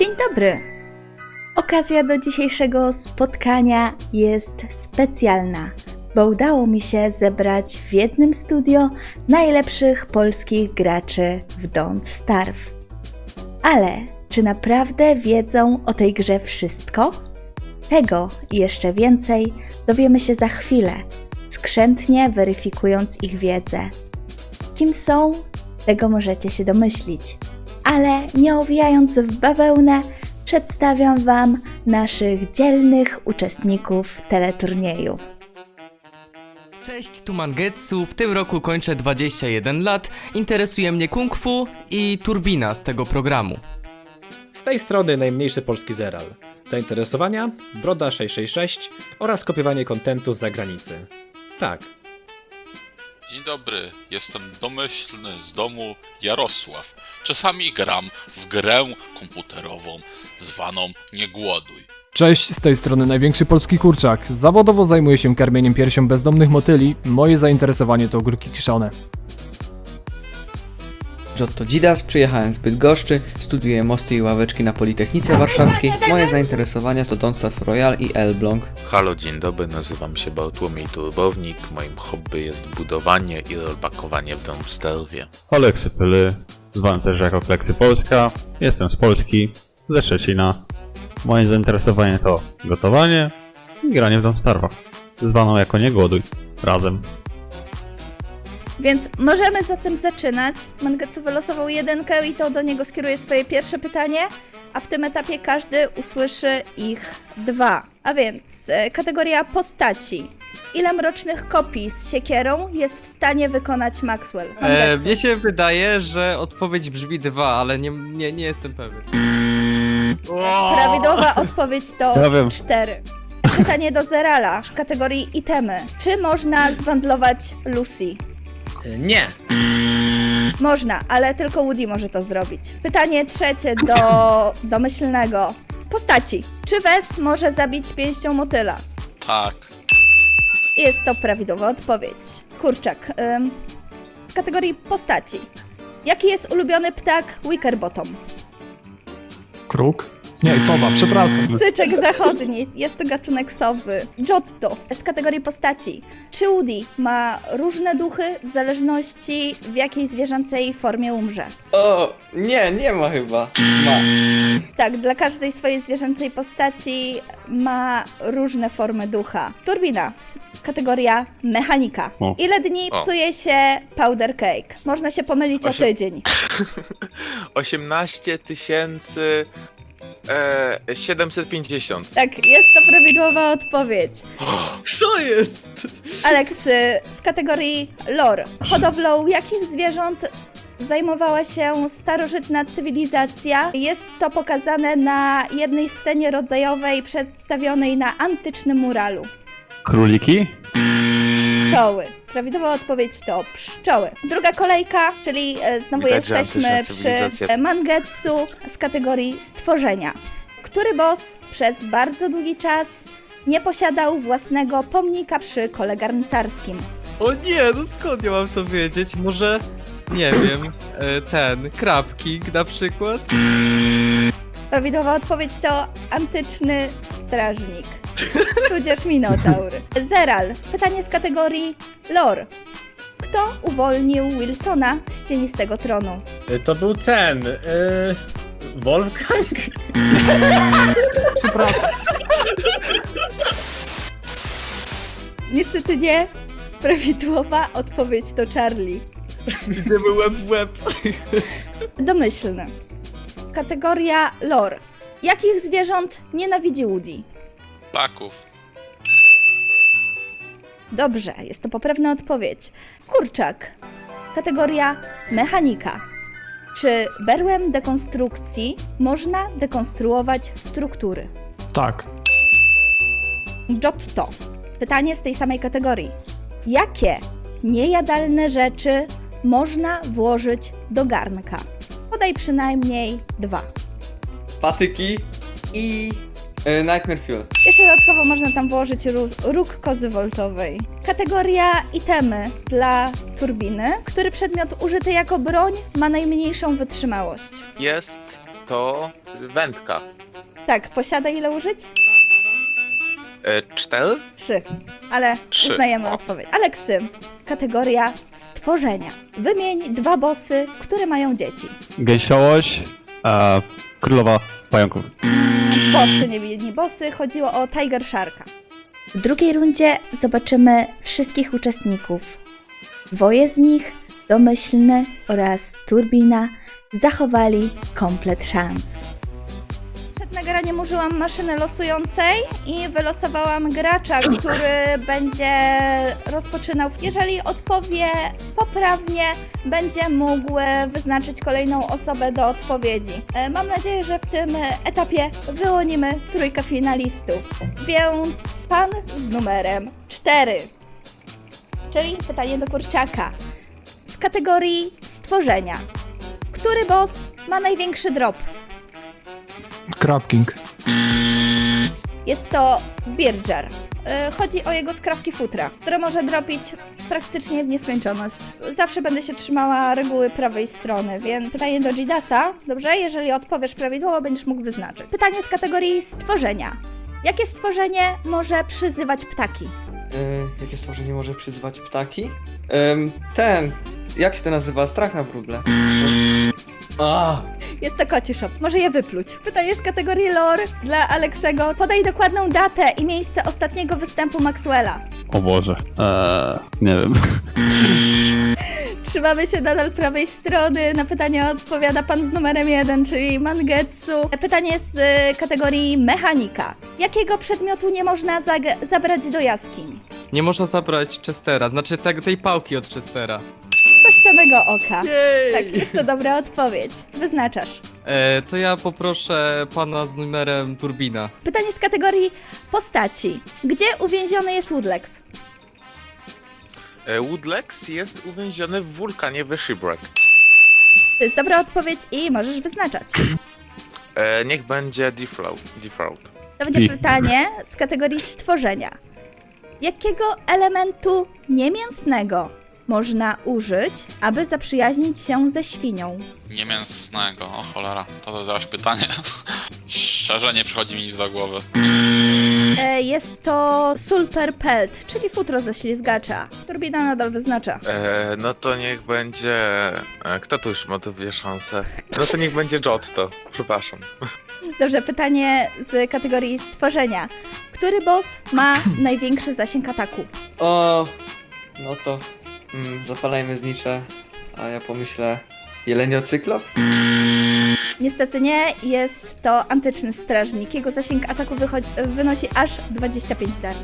Dzień dobry! Okazja do dzisiejszego spotkania jest specjalna, bo udało mi się zebrać w jednym studio najlepszych polskich graczy w Don't Starve. Ale czy naprawdę wiedzą o tej grze wszystko? Tego i jeszcze więcej dowiemy się za chwilę, skrzętnie weryfikując ich wiedzę. Kim są? Tego możecie się domyślić. Ale nie owijając w bawełnę, przedstawiam Wam naszych dzielnych uczestników teleturnieju. Cześć, tu Mangetsu, w tym roku kończę 21 lat, interesuje mnie kung fu i turbina z tego programu. Z tej strony najmniejszy polski Zeral. Zainteresowania? Broda 666 oraz kopiowanie kontentu z zagranicy. Tak. Dzień dobry, jestem domyślny z domu Jarosław. Czasami gram w grę komputerową zwaną Nie głoduj. Cześć, z tej strony największy polski kurczak. Zawodowo zajmuję się karmieniem piersią bezdomnych motyli. Moje zainteresowanie to ogórki kiszone. Giotto Dzidas, przyjechałem z Bydgoszczy, studiuję mosty i ławeczki na Politechnice Warszawskiej. Moje zainteresowania to Don't Starve Royale i Elbląg. Halo, dzień dobry, nazywam się Bartłomiej Turbownik. Moim hobby jest budowanie i rollbackowanie w Don't Starve'ie. Oleksy Pyly, zwany też jako Kleksy Polska. Jestem z Polski, ze Szczecina. Moje zainteresowanie to gotowanie i granie w Don't Starve'a, zwaną jako Nie głoduj, razem. Więc możemy zatem zaczynać. Mangetsu wylosował jedynkę i to do niego skieruje swoje pierwsze pytanie, a w tym etapie każdy usłyszy ich dwa. A więc kategoria postaci. Ile mrocznych kopii z siekierą jest w stanie wykonać Maxwell? Mangetsu. Mnie się wydaje, że odpowiedź brzmi 2, ale nie jestem pewien. Prawidłowa odpowiedź to Ja wiem. 4. Pytanie do Zerala w kategorii itemy. Czy można zwandlować Lucy? Nie. Można, ale tylko Woody może to zrobić. Pytanie trzecie do domyślnego. Postaci. Czy Wes może zabić pięścią motyla? Tak, Jest to prawidłowa odpowiedź. Kurczak. Z kategorii postaci. Jaki jest ulubiony ptak Wickerbottom? Kruk? Nie, sowa, przepraszam. Syczek zachodni. Jest to gatunek sowy. Giotto. Z kategorii postaci. Czy Woody ma różne duchy w zależności w jakiej zwierzęcej formie umrze? O, nie ma chyba. Ma. Tak, dla każdej swojej zwierzęcej postaci ma różne formy ducha. Turbina. Kategoria mechanika. O. Ile dni O. psuje się powder cake? Można się pomylić o tydzień. 18 750. Tak, jest to prawidłowa odpowiedź. Co jest? Alex, z kategorii lore. Hodowlą jakich zwierząt zajmowała się starożytna cywilizacja? Jest to pokazane na jednej scenie rodzajowej przedstawionej na antycznym muralu. Króliki? Pszczoły. Prawidłowa odpowiedź to pszczoły. Druga kolejka, czyli znowu Widać, że jesteśmy antyczna cywilizacja. przy Mangetsu z kategorii stworzenia. Który boss przez bardzo długi czas nie posiadał własnego pomnika przy kole garncarskim? O nie, no skąd ja mam to wiedzieć? Może, nie wiem, Crab King na przykład? Prawidłowa odpowiedź to antyczny strażnik, tudzież minotaur. Zeral. Pytanie z kategorii lore. Kto uwolnił Wilsona z cienistego tronu? To był ten. Wolfgang? Niestety nie. Prawidłowa odpowiedź to Charlie. Idziemy łeb w łeb. Domyślny. Kategoria lore. Jakich zwierząt nienawidzi Woody? ptaków. Dobrze, jest to poprawna odpowiedź. Kurczak. Kategoria mechanika. Czy berłem dekonstrukcji można dekonstruować struktury? Tak. Giotto. Pytanie z tej samej kategorii. Jakie niejadalne rzeczy można włożyć do garnka? Podaj przynajmniej 2. Patyki i Nightmare Fuel. Jeszcze dodatkowo można tam włożyć róg kozy woltowej. Kategoria itemy dla turbiny. Który przedmiot użyty jako broń ma najmniejszą wytrzymałość? Jest To wędka. Tak, posiada ile użyć? 4? 3. Ale 3. uznajemy O. odpowiedź. Aleksy, kategoria stworzenia. Wymień 2 bossy, które mają dzieci. Gęsiołoś, królowa pająków. Bossy, nie bossy, chodziło o Tiger Sharka. W drugiej rundzie zobaczymy wszystkich uczestników. 2 z nich, Domyślny oraz Turbina, zachowali komplet szans. Przed nagraniem użyłam maszyny losującej i wylosowałam gracza, który będzie rozpoczynał. Jeżeli odpowie poprawnie, będzie mógł wyznaczyć kolejną osobę do odpowiedzi. Mam nadzieję, że w tym etapie wyłonimy 3 finalistów. Więc pan z numerem 4, czyli pytanie do kurczaka. Z kategorii stworzenia. Który boss ma największy drop? Crab King. Jest to Birger. Chodzi o jego skrawki futra, które może dropić praktycznie w nieskończoność. Zawsze będę się trzymała reguły prawej strony, więc pytanie do Jidasa. Dobrze? Jeżeli odpowiesz prawidłowo, będziesz mógł wyznaczyć. Pytanie z kategorii stworzenia. Jakie stworzenie może przyzywać ptaki? Jakie stworzenie może przyzwać ptaki? Jak się to nazywa? Strach na wróble. Jest to koci shop. Może je wypluć. Pytanie z kategorii lore dla Aleksego. Podaj dokładną datę i miejsce ostatniego występu Maxwella. O Boże. Nie wiem. Trzymamy się nadal prawej strony. Na pytanie odpowiada pan z numerem 1, czyli Mangetsu. Pytanie z kategorii mechanika. Jakiego przedmiotu nie można zabrać do jaskiń? Nie można zabrać Chestera, znaczy tej pałki od Chestera. Kościanego oka. Jej! Tak, jest to dobra odpowiedź. Wyznaczasz. To ja poproszę pana z numerem Turbina. Pytanie z kategorii postaci. Gdzie uwięziony jest Woodlex? Woodlex jest uwięziony w wulkanie w Shipwreck. To jest dobra odpowiedź i możesz wyznaczać. Niech będzie Defraud. To będzie pytanie z kategorii stworzenia. Jakiego elementu niemięsnego można użyć, aby zaprzyjaźnić się ze świnią? Niemięsnego, o cholera, to zaraz pytanie. Szczerze nie przychodzi mi nic do głowy. Jest to sulper pelt, czyli futro ze ślizgacza. Turbina nadal wyznacza. No to niech będzie... Kto tu już ma tu dwie szanse? No to niech będzie Giotto. Przepraszam. Dobrze, pytanie z kategorii stworzenia. Który boss ma największy zasięg ataku? No to zapalajmy znicze, a ja pomyślę jeleniocyklop? Niestety nie, jest to antyczny strażnik. Jego zasięg ataku wynosi aż 25 dar.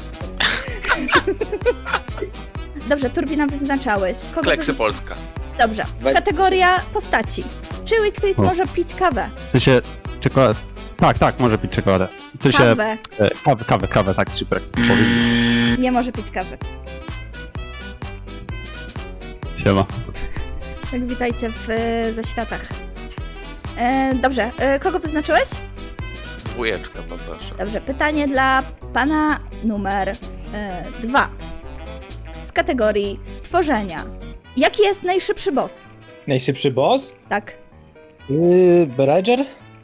Dobrze, Turbina wyznaczałeś. Kleksy Polska. Dobrze, kategoria postaci. Czy Wickfried może pić kawę? W sensie, czekolada. Tak, może pić czekoladę. W sensie, Kawę. tak, z Shipwreck. Nie może pić kawy. Siema. Tak, witajcie w zaświatach. Dobrze, kogo wyznaczyłeś? Dwójeczka poproszę. Dobrze, pytanie dla pana numer 2. Z kategorii stworzenia. Jaki jest najszybszy boss? Najszybszy boss? Tak. Berger?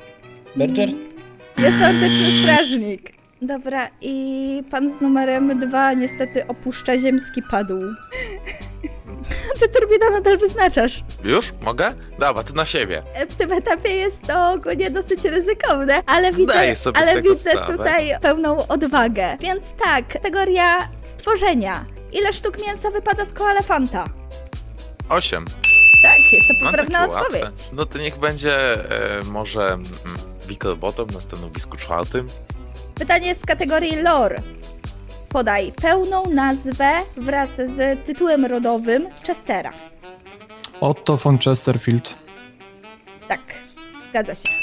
Jest to antyczny strażnik. Dobra, i pan z numerem 2 niestety opuszcza ziemski padł. Ty, Turbina, nadal wyznaczasz. Już? Mogę? Dobra, to na siebie. W tym etapie jest to ogólnie dosyć ryzykowne, ale Zdaję sobie z ale tego widzę sprawę. tutaj pełną odwagę. Więc tak, kategoria stworzenia. Ile sztuk mięsa wypada z koelefanta? 8. Tak, jest to No poprawna takie odpowiedź. łatwe. No to niech będzie może Wickelbottom na stanowisku 4. Pytanie z kategorii lore. Podaj pełną nazwę wraz z tytułem rodowym Chestera. Otto von Chesterfield. Tak, zgadza się.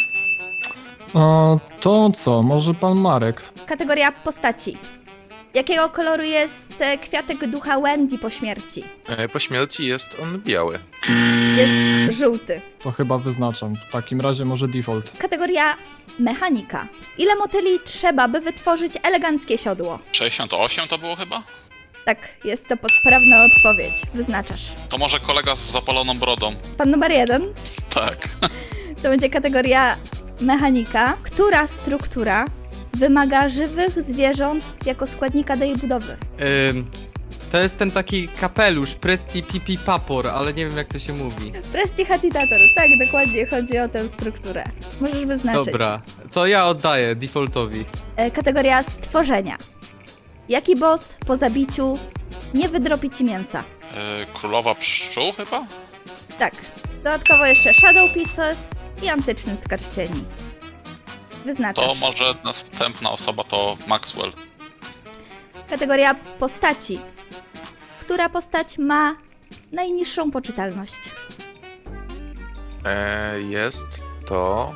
To co, może pan Marek? Kategoria postaci. Jakiego koloru jest kwiatek ducha Wendy po śmierci? Po śmierci jest on biały. Jest żółty. To chyba wyznaczam. W takim razie może default. Kategoria mechanika. Ile motyli trzeba, by wytworzyć eleganckie siodło? 68 to było chyba? Tak, jest to poprawna odpowiedź. Wyznaczasz. To może kolega z zapaloną brodą. Pan numer 1. Tak. To będzie kategoria mechanika. Która struktura wymaga żywych zwierząt jako składnika do jej budowy? To jest ten taki kapelusz, Presti Pipi Papor, ale nie wiem jak to się mówi. Prestidigitator, tak, dokładnie chodzi o tę strukturę. Możesz wyznaczyć. Dobra, to ja oddaję defaultowi. Kategoria stworzenia. Jaki boss po zabiciu nie wydropi ci mięsa? Królowa pszczół chyba? Tak. Dodatkowo jeszcze Shadow Pieces i antyczny tkacz cieni. Wyznaczasz. To może następna osoba to Maxwell. Kategoria postaci. Która postać ma najniższą poczytalność? Jest to...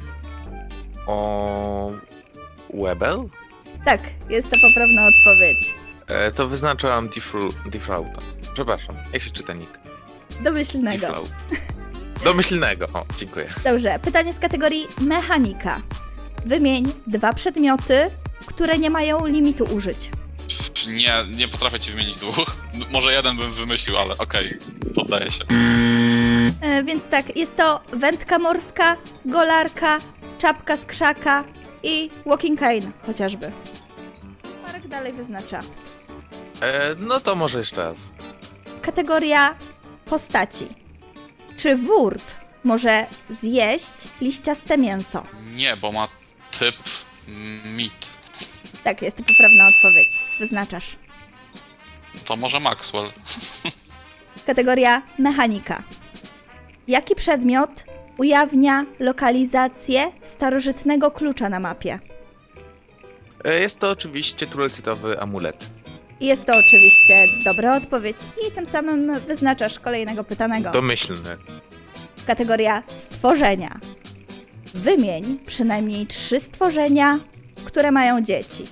O... Webel? Tak, jest to poprawna odpowiedź. To wyznaczałam Defrauta. Przepraszam, jak się czyta nick? Domyślnego. Defraud. Domyślnego, o, dziękuję. Dobrze, pytanie z kategorii mechanika. Wymień 2 przedmioty, które nie mają limitu użyć. Nie potrafię ci wymienić 2. Może jeden bym wymyślił, ale okej, poddaję się. Więc tak, jest to wędka morska, golarka, czapka z krzaka i walking cane chociażby. Marek dalej wyznacza. No to może jeszcze raz. Kategoria postaci. Czy wurt może zjeść liściaste mięso? Nie, bo ma typ mit. Tak, jest to poprawna odpowiedź. Wyznaczasz. To może Maxwell. Kategoria mechanika. Jaki przedmiot ujawnia lokalizację starożytnego klucza na mapie? Jest to oczywiście turelcytowy amulet. I jest to oczywiście dobra odpowiedź i tym samym wyznaczasz kolejnego pytanego. Domyślny. Kategoria stworzenia. Wymień przynajmniej 3 stworzenia, które mają dzieci.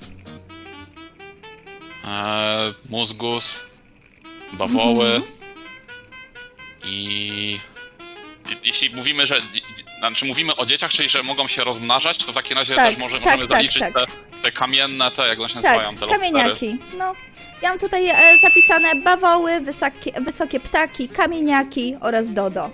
Mózgus, bawoły i jeśli mówimy, że znaczy mówimy o dzieciach, czyli że mogą się rozmnażać, to w takim razie Tak, też możemy tak, zaliczyć tak. te kamienne, te jak one się nazywają, Tak, te lokpery. kamieniaki. No, ja mam tutaj zapisane bawoły, wysokie ptaki, kamieniaki oraz dodo.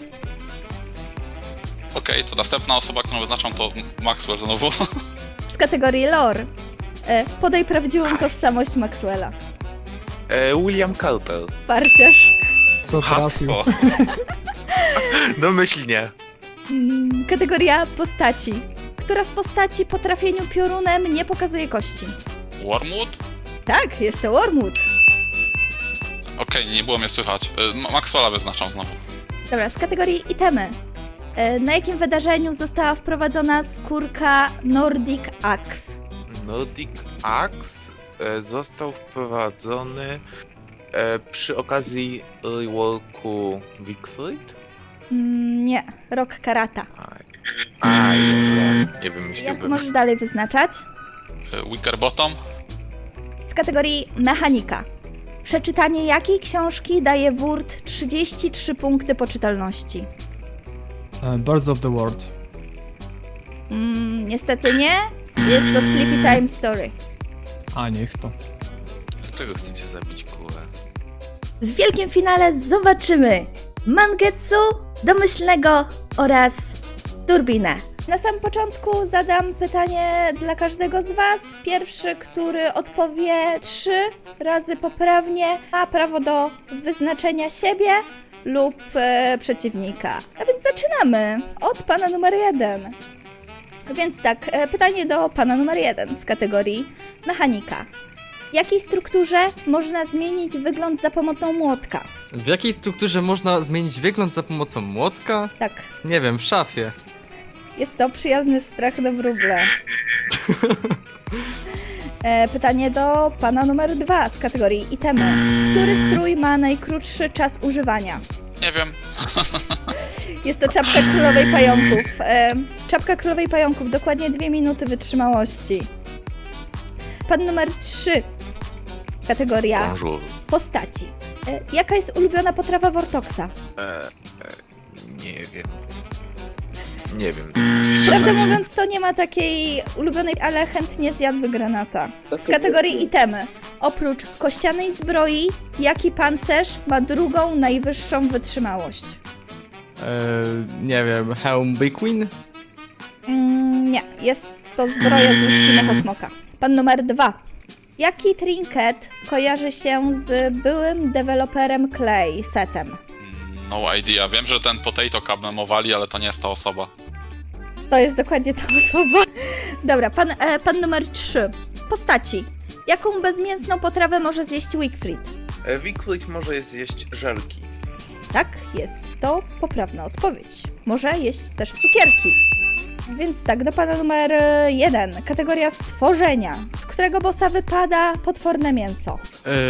Okej, to następna osoba, którą wyznaczam, to Maxwell znowu. Z kategorii lore. Podaj prawdziwą tożsamość Maxwella. William Cowper. Parciarz. Co trafił? Hatwo. Domyślnie. Kategoria postaci. Która z postaci po trafieniu piorunem nie pokazuje kości? Wormwood? Tak, jest to Wormwood. Okej, nie było mnie słychać. Maxwella wyznaczam znowu. Dobra, z kategorii itemy. Na jakim wydarzeniu została wprowadzona skórka Nordic Axe? Nordic Axe został wprowadzony przy okazji reworku Wickfried? Nie, Rock Karata. Nie Jak wymyśliłbym. możesz dalej wyznaczać? Wickerbottom? Z kategorii mechanika. Przeczytanie jakiej książki daje wurt 33 punkty poczytalności? Birds of the World. Niestety nie. Jest to Sleepy Time Story. A niech to. Dlaczego chcecie zabić kurę? W wielkim finale zobaczymy Mangetsu, Domyślnego oraz Turbinę. Na samym początku zadam pytanie dla każdego z Was. Pierwszy, który odpowie 3 razy poprawnie, ma prawo do wyznaczenia siebie lub przeciwnika. A więc zaczynamy od pana numer 1. Więc tak, pytanie do pana numer 1 z kategorii mechanika. W jakiej strukturze można zmienić wygląd za pomocą młotka? W jakiej strukturze można zmienić wygląd za pomocą młotka? Tak, Nie wiem, w szafie. jest to przyjazny strach do wróble. Pytanie do pana numer 2 z kategorii itemy. Który strój ma najkrótszy czas używania? Nie wiem. Jest to czapka królowej pająków. Czapka królowej pająków, dokładnie 2 minuty wytrzymałości. Pan numer 3. Kategoria Bonjour. postaci. Jaka jest ulubiona potrawa Vortoxa? Nie wiem. Nie wiem. Prawdę Strzelać. mówiąc, to nie ma takiej ulubionej, ale chętnie zjadłby granata. Z kategorii itemy. Oprócz kościanej zbroi, jaki pancerz ma drugą najwyższą wytrzymałość? Nie wiem, hełm Big-Win? Nie, jest to zbroja z łuski Mechosmoka. Pan numer 2. Jaki trinket kojarzy się z byłym deweloperem Clay setem? No idea. Wiem, że ten potato cup memowali, ale to nie jest ta osoba. To jest dokładnie ta osoba. Dobra, pan numer 3. Postaci. Jaką bezmięsną potrawę może zjeść Wickfried? Wickfried może zjeść żelki. Tak, jest to poprawna odpowiedź. Może jeść też cukierki. Więc tak, do pana numer 1. Kategoria stworzenia. Z którego bossa wypada potworne mięso?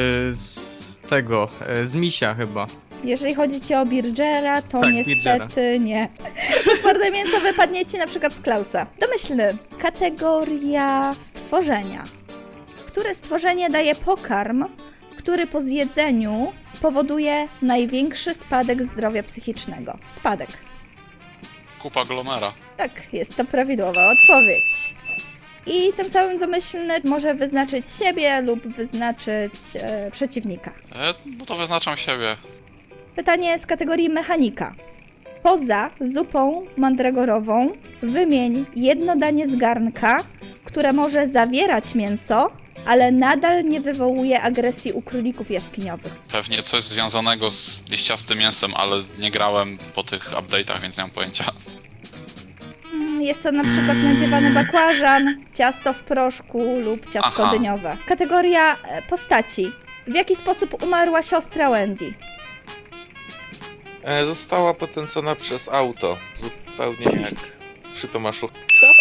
Z misia chyba. Jeżeli chodzi ci o Birgera, to Tak, niestety nie. Potworne mięso wypadnie ci na przykład z Klausa. Domyślny. Kategoria stworzenia. Które stworzenie daje pokarm, który po zjedzeniu powoduje największy spadek zdrowia psychicznego? Spadek. Kupa Glomera. Tak, jest to prawidłowa odpowiedź. I tym samym domyślny może wyznaczyć siebie lub wyznaczyć przeciwnika. No to wyznaczam siebie. Pytanie z kategorii mechanika. Poza zupą mandragorową wymień jedno danie z garnka, które może zawierać mięso, ale nadal nie wywołuje agresji u królików jaskiniowych. Pewnie coś związanego z liściastym mięsem, ale nie grałem po tych update'ach, więc nie mam pojęcia. Jest to na przykład nadziewany bakłażan, ciasto w proszku lub ciastko Aha. dyniowe. Kategoria postaci. W jaki sposób umarła siostra Wendy? Została potęcona przez auto. Zupełnie jak przy Tomaszu.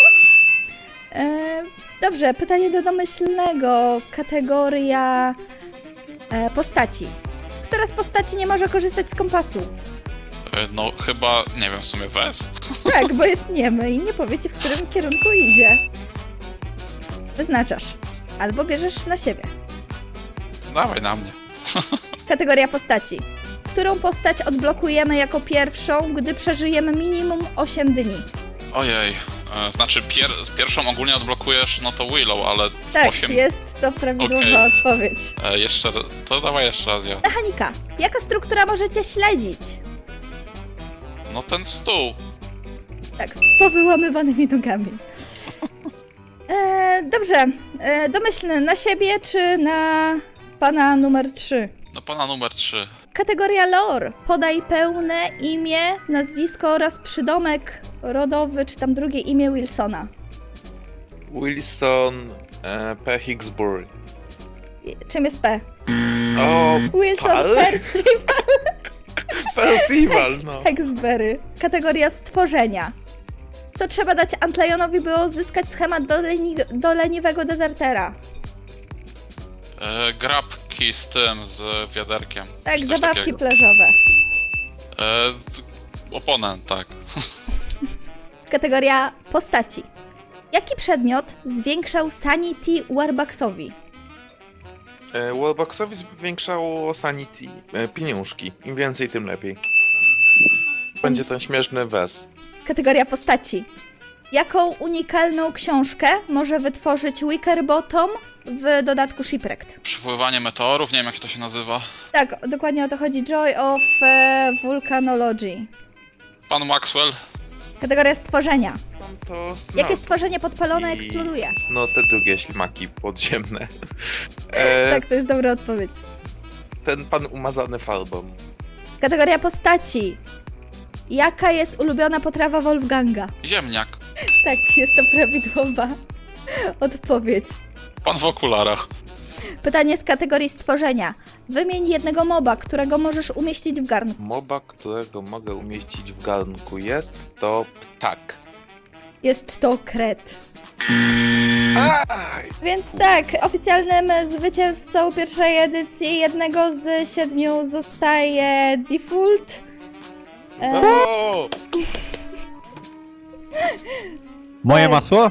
Dobrze, pytanie do domyślnego. Kategoria postaci. Która z postaci nie może korzystać z kompasu? No chyba, nie wiem, w sumie Wes. Tak, bo jest niemy i nie powie ci, w którym kierunku idzie. Wyznaczasz. Albo bierzesz na siebie. Dawaj na mnie. Kategoria postaci. Którą postać odblokujemy jako pierwszą, gdy przeżyjemy minimum 8 dni? Ojej. Znaczy pierwszą ogólnie odblokujesz, no to Willow, ale Tak, 8... jest to prawidłowa Okej. odpowiedź. To dawaj jeszcze raz ja. Mechanika. Jaka struktura możecie śledzić? No ten stół. Tak, z powyłamywanymi nogami. Dobrze. Domyślny na siebie czy na pana numer 3? No pana numer 3. Kategoria lore. Podaj pełne imię, nazwisko oraz przydomek rodowy, czy tam drugie imię Wilsona. Wilson P. Hicksbury. Czym jest P? O, Wilson Pal? Percival Percival, no. Hexberry. Kategoria stworzenia. Co trzeba dać Antlejonowi, by uzyskać schemat do leniwego dezertera? Grabki z tym, z wiaderkiem. Tak, czy coś zabawki takiego. plażowe. Oponent, tak. Kategoria postaci. Jaki przedmiot zwiększał sanity Warbucksowi? Warbucksowi zwiększało sanity, pieniążki. Im więcej, tym lepiej. Będzie ten śmieszny Wes. Kategoria postaci. Jaką unikalną książkę może wytworzyć Wickerbottom w dodatku Shipwrecked? Przywoływanie meteorów, nie wiem jak to się nazywa. Tak, dokładnie o to chodzi. Joy of Volcanology. Pan Maxwell. Kategoria stworzenia. Mam to Snow. Jakie stworzenie podpalone I- eksploduje? No te drugie ślimaki podziemne. Tak, to jest dobra odpowiedź. Ten pan umazany farbą. Kategoria postaci. Jaka jest ulubiona potrawa Wolfganga? Ziemniak. Tak, jest to prawidłowa odpowiedź. Pan w okularach. Pytanie z kategorii stworzenia. Wymień jednego moba, którego możesz umieścić w garnku. Moba, którego mogę umieścić w garnku jest to ptak. Jest to kret. Więc tak, oficjalnym zwycięzcą pierwszej edycji jednego z 7 zostaje Default. O! Moje masło?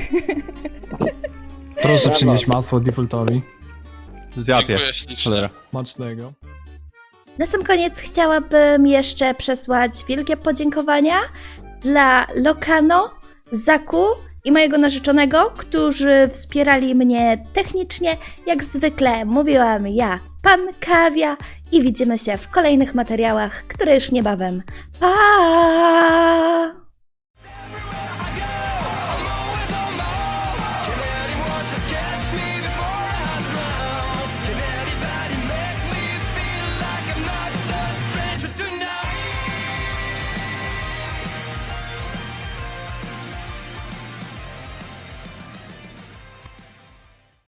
Proszę przynieść masło defaultowi. Zjadł je. Dziękuję ślicznie. Cholera. Smacznego. Na sam koniec chciałabym jeszcze przesłać wielkie podziękowania dla Lokano, Zaku i mojego narzeczonego, którzy wspierali mnie technicznie. Jak zwykle mówiłam ja, pan Kawia i widzimy się w kolejnych materiałach, które już niebawem. Pa!